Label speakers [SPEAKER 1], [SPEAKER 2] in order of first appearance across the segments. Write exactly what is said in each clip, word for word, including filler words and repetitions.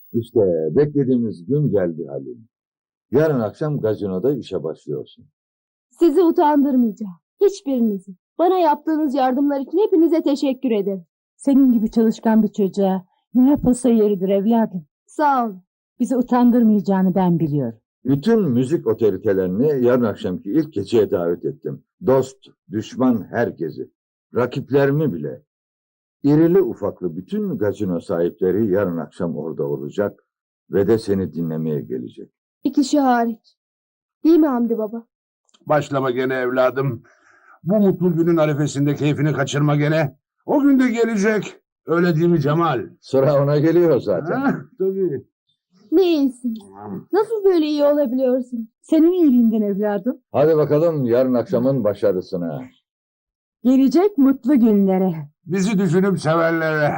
[SPEAKER 1] İşte beklediğimiz gün geldi Halil. Yarın akşam gazinoda işe başlıyorsun.
[SPEAKER 2] Sizi utandırmayacağım. Hiçbirinizi. Bana yaptığınız yardımlar için hepinize teşekkür ederim.
[SPEAKER 3] Senin gibi çalışkan bir çocuğa ne yapılsa yeridir evladım.
[SPEAKER 2] Sağ olun.
[SPEAKER 3] Bizi utandırmayacağını ben biliyorum.
[SPEAKER 1] Bütün müzik otoritelerini yarın akşamki ilk geceye davet ettim. Dost, düşman herkesi. Rakiplerimi bile. İrili ufaklı bütün gazino sahipleri yarın akşam orada olacak ve de seni dinlemeye gelecek.
[SPEAKER 2] Bir kişi hariç. Değil mi Hamdi baba?
[SPEAKER 4] Başlama gene evladım. Bu mutlu günün arifesinde keyfini kaçırma gene. O gün de gelecek. Öyle değil mi Cemal?
[SPEAKER 1] Sıra ona geliyor zaten.
[SPEAKER 4] Ha, tabii.
[SPEAKER 2] Ne iyisiniz. Nasıl böyle iyi olabiliyorsunuz?
[SPEAKER 3] Senin iyiliğinden evladım.
[SPEAKER 1] Hadi bakalım yarın akşamın başarısına.
[SPEAKER 3] Gelecek mutlu günlere.
[SPEAKER 4] Bizi düşünüp severlere.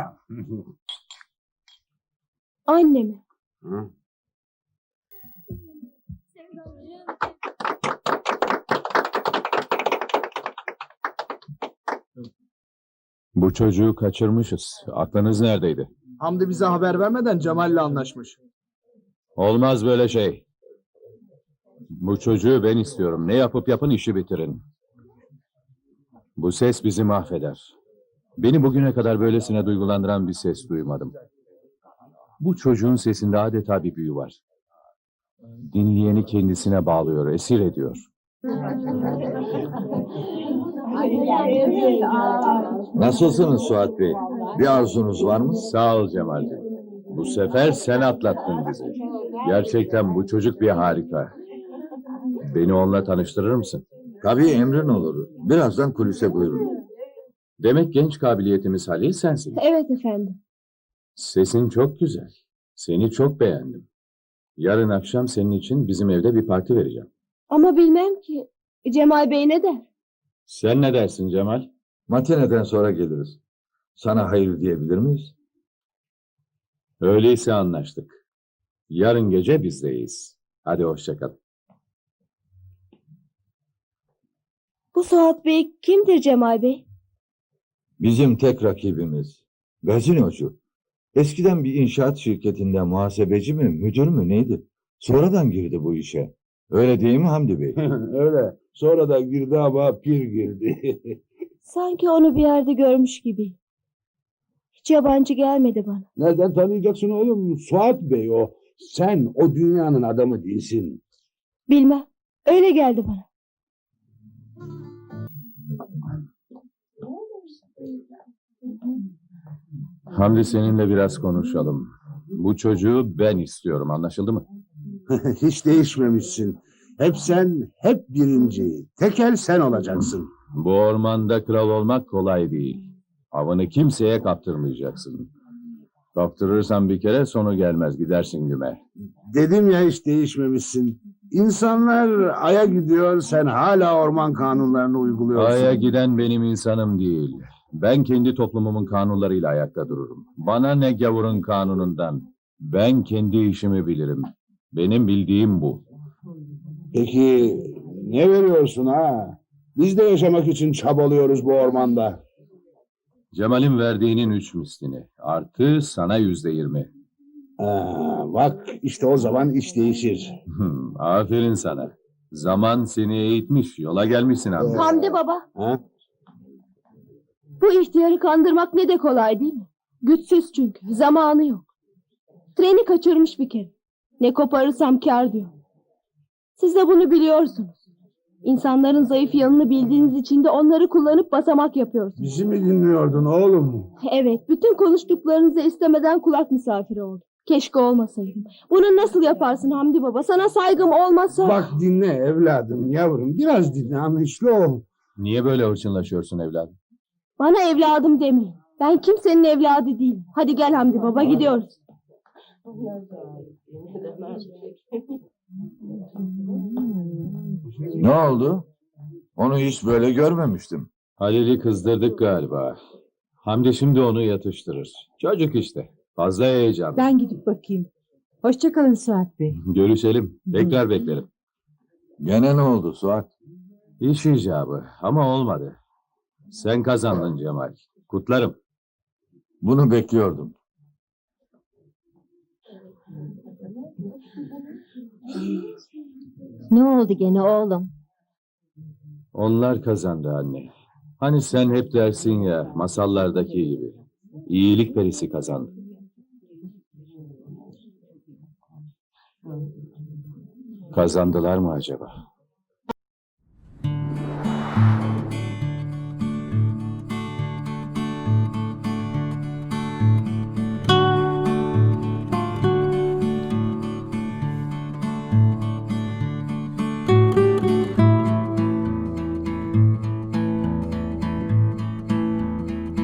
[SPEAKER 2] Annemi.
[SPEAKER 4] Hı?
[SPEAKER 5] Bu çocuğu kaçırmışız. Aklınız neredeydi?
[SPEAKER 6] Hamdi bize haber vermeden Cemal'le anlaşmış.
[SPEAKER 5] Olmaz böyle şey. Bu çocuğu ben istiyorum. Ne yapıp yapın işi bitirin. Bu ses bizi mahveder. Beni bugüne kadar böylesine duygulandıran bir ses duymadım. Bu çocuğun sesinde adeta bir büyü var. Dinleyeni kendisine bağlıyor, esir ediyor.
[SPEAKER 1] Nasılsınız Suat Bey? Bir arzunuz var mı?
[SPEAKER 5] Sağ ol Cemal'ciğim. Bu sefer sen atlattın bizi. Gerçekten bu çocuk bir harika. Beni onunla tanıştırır mısın?
[SPEAKER 1] Tabii emrin olur. Birazdan kulise buyurun.
[SPEAKER 5] Demek genç kabiliyetimiz Halil sensin.
[SPEAKER 2] Evet efendim.
[SPEAKER 5] Sesin çok güzel. Seni çok beğendim. Yarın akşam senin için bizim evde bir parti vereceğim.
[SPEAKER 2] Ama bilmem ki. Cemal Bey ne der?
[SPEAKER 5] Sen ne dersin Cemal?
[SPEAKER 1] Matineden sonra geliriz. Sana hayır diyebilir miyiz?
[SPEAKER 5] Öyleyse anlaştık. Yarın gece bizdeyiz. Hadi hoşça kal.
[SPEAKER 2] Bu Suat Bey kimdir Cemal Bey?
[SPEAKER 1] Bizim tek rakibimiz. Gazinocu. Eskiden bir inşaat şirketinde muhasebeci mi, müdür mü neydi? Sonradan girdi bu işe. Öyle değil mi Hamdi Bey?
[SPEAKER 4] Öyle. Sonra da girdi ama pir girdi.
[SPEAKER 2] Sanki onu bir yerde görmüş gibi. Hiç yabancı gelmedi bana.
[SPEAKER 4] Nereden tanıyacaksın oğlum? Suat Bey o. Sen o dünyanın adamı değilsin.
[SPEAKER 2] Bilmem. Öyle geldi bana.
[SPEAKER 5] Hamdi seninle biraz konuşalım. Bu çocuğu ben istiyorum, anlaşıldı mı?
[SPEAKER 4] Hiç değişmemişsin. Hep sen, hep birinci. Tekel sen olacaksın.
[SPEAKER 5] Bu ormanda kral olmak kolay değil. Avını kimseye kaptırmayacaksın. Kaptırırsan bir kere sonu gelmez, gidersin güme.
[SPEAKER 4] Dedim ya hiç değişmemişsin. İnsanlar aya gidiyor, sen hala orman kanunlarını uyguluyorsun.
[SPEAKER 5] Aya giden benim insanım değil. Ben kendi toplumumun kanunlarıyla ayakta dururum. Bana ne gavurun kanunundan. Ben kendi işimi bilirim. Benim bildiğim bu.
[SPEAKER 4] Peki ne veriyorsun ha? Biz de yaşamak için çabalıyoruz bu ormanda.
[SPEAKER 5] Cemal'in verdiğinin üç mislini. Artı sana yüzde yirmi.
[SPEAKER 4] Ha, bak işte o zaman iş değişir.
[SPEAKER 5] Hmm, aferin sana. Zaman seni eğitmiş, yola gelmişsin abi.
[SPEAKER 2] Hamdi baba.
[SPEAKER 4] Ha?
[SPEAKER 2] Bu ihtiyarı kandırmak ne de kolay değil mi? Güçsüz çünkü. Zamanı yok. Treni kaçırmış bir kere. Ne koparırsam kâr diyor. Siz de bunu biliyorsunuz. İnsanların zayıf yanını bildiğiniz için de onları kullanıp basamak yapıyorsunuz.
[SPEAKER 4] Bizi mi dinliyordun oğlum?
[SPEAKER 2] Evet, bütün konuştuklarınızı istemeden kulak misafiri oldum. Keşke olmasaydım. Bunu nasıl yaparsın Hamdi baba? Sana saygım olmasa...
[SPEAKER 4] Bak dinle evladım, yavrum. Biraz dinle, anlayışlı ol.
[SPEAKER 5] Niye böyle hırçınlaşıyorsun evladım?
[SPEAKER 2] Bana evladım demeyin. Ben kimsenin evladı değilim. Hadi gel Hamdi baba, gidiyoruz.
[SPEAKER 1] Ne oldu? Onu hiç böyle görmemiştim.
[SPEAKER 5] Halil'i kızdırdık galiba. Hamdi şimdi onu yatıştırır. Çocuk işte. Fazla heyecan.
[SPEAKER 3] Ben gidip bakayım. Hoşça kalın Suat Bey.
[SPEAKER 5] Görüşelim. Tekrar beklerim.
[SPEAKER 1] Gene ne oldu Suat?
[SPEAKER 5] İş icabı ama olmadı. Sen kazandın Cemal. Kutlarım.
[SPEAKER 1] Bunu bekliyordum.
[SPEAKER 2] Ne oldu gene oğlum?
[SPEAKER 5] Onlar kazandı anne. Hani sen hep dersin ya, masallardaki gibi. İyilik perisi kazandı. Kazandılar mı acaba?